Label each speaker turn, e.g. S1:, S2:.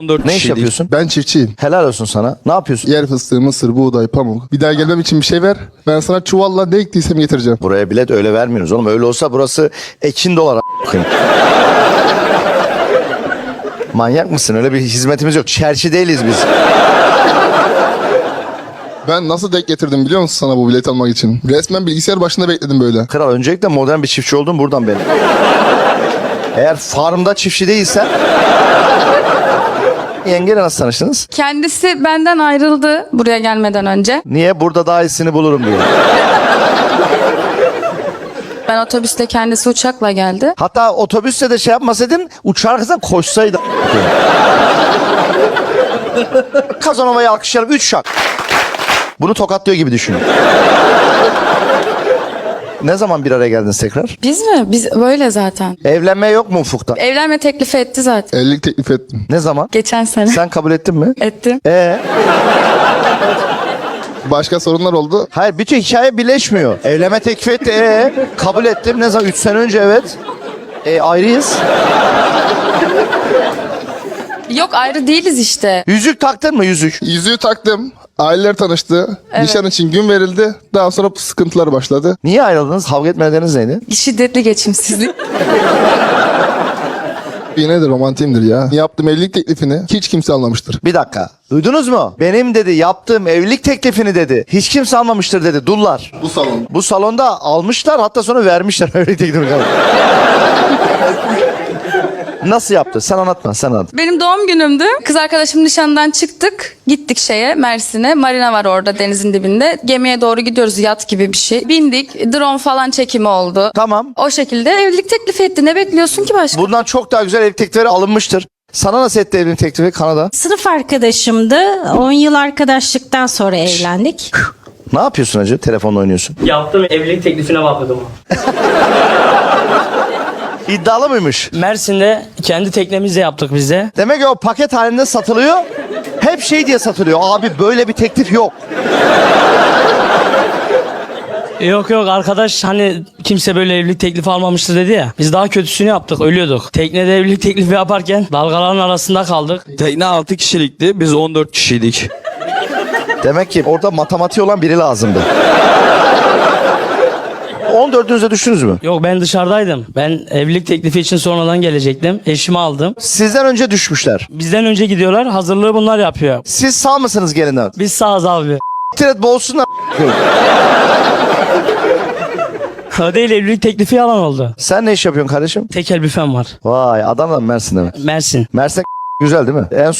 S1: 14
S2: Ne iş
S1: kişiydik.
S2: yapıyorsun?
S3: Ben çiftçiyim.
S2: Helal olsun sana. Ne yapıyorsun?
S3: Yer fıstığı, mısır, buğday, pamuk. Bir daha gelmem için bir şey ver. Ben sana çuvalla ne ektiysem getireceğim.
S2: Buraya bilet öyle vermiyoruz oğlum. Öyle olsa burası ekin dolar a**ayım. Manyak mısın? Öyle bir hizmetimiz yok. Çerçi değiliz biz.
S3: Ben nasıl denk getirdim biliyor musun sana bu bilet almak için? Resmen bilgisayar başında bekledim böyle.
S2: Kral öncelikle modern bir çiftçi oldun buradan benim. Eğer farmda çiftçi değilsen... Yengeyle nasıl tanıştınız?
S4: Kendisi benden ayrıldı buraya gelmeden önce.
S2: Niye? Burada daha iyisini bulurum diye.
S4: Ben otobüsle, kendisi uçakla geldi.
S2: Hatta otobüste de şey yapmasaydın uçağa kızdan koşsaydı. Kazanova'yı alkışlayalım. 3 şak. Bunu tokatlıyor gibi düşün. Ne zaman bir araya geldiniz tekrar?
S4: Biz mi? Biz böyle zaten.
S2: Evlenme yok mu ufukta?
S4: Evlenme teklifi etti zaten.
S3: Evlilik teklif ettim.
S2: Ne zaman?
S4: Geçen sene.
S2: Sen kabul ettin mi?
S4: Ettim.
S3: Başka sorunlar oldu.
S2: Hayır, bütün hikaye birleşmiyor. Evlenme teklif etti. Kabul ettim. Ne zaman? 3 sene önce evet. Ayrıyız.
S4: Yok, ayrı değiliz işte.
S2: Yüzük taktın mı yüzük?
S3: Yüzüğü taktım. Aileler tanıştı.
S4: Evet.
S3: Nişan için gün verildi. Daha sonra sıkıntılar başladı.
S2: Niye ayrıldınız? Kavga etme nedeniniz neydi?
S4: Şiddetli geçimsizlik.
S3: Yine de romantimdir ya. Yaptığım evlilik teklifini hiç kimse anlamıştır.
S2: Bir dakika. Duydunuz mu? Benim dedi yaptığım evlilik teklifini dedi. Hiç kimse almamıştır dedi. Dullar.
S3: Bu salon.
S2: Bu salonda almışlar hatta sonra vermişler evlilik teklifini. Nasıl yaptı? Sen anlatma, sen anlat.
S4: Benim doğum günümdü. Kız arkadaşım nişandan çıktık. Gittik Mersin'e. Marina var orada denizin dibinde. Gemiye doğru gidiyoruz, yat gibi bir şey. Bindik. Drone falan çekimi oldu.
S2: Tamam.
S4: O şekilde evlilik teklifi etti. Ne bekliyorsun ki başka?
S2: Bundan çok daha güzel evlilik teklifleri alınmıştır. Sana nasıl etti evlilik teklifi Kanada?
S5: Sınıf arkadaşımdı. 10 yıl arkadaşlıktan sonra evlendik.
S2: Ne yapıyorsun hacı? Telefonla oynuyorsun.
S6: Yaptığım evlilik teklifine bakıyordum.
S2: İddialı mıymış?
S6: Mersin'de kendi teknemizle yaptık biz de.
S2: Demek ki o paket halinde satılıyor. Hep şey diye satılıyor. Abi böyle bir teklif yok.
S6: Yok arkadaş hani kimse böyle evlilik teklifi almamıştı dedi ya. Biz daha kötüsünü yaptık, ölüyorduk. Teknede evlilik teklifi yaparken dalgaların arasında kaldık.
S1: Tekne 6 kişilikti. Biz 14 kişiydik.
S2: Demek ki orada matematiği olan biri lazımdı. 14'ünüze düştünüz mü?
S6: Yok, ben dışarıdaydım. Ben evlilik teklifi için sonradan gelecektim. Eşimi aldım.
S2: Sizden önce düşmüşler.
S6: Bizden önce gidiyorlar. Hazırlığı bunlar yapıyor.
S2: Siz sağ mısınız gelinden?
S6: Biz sağız abi.
S2: Tiret boğulsunlar.
S6: O değil, evlilik teklifi yalan oldu.
S2: Sen ne iş yapıyorsun kardeşim?
S6: Tekel büfem var.
S2: Vay Adana'dan Mersin'de mi?
S6: Mersin.
S2: Mersin güzel değil mi? En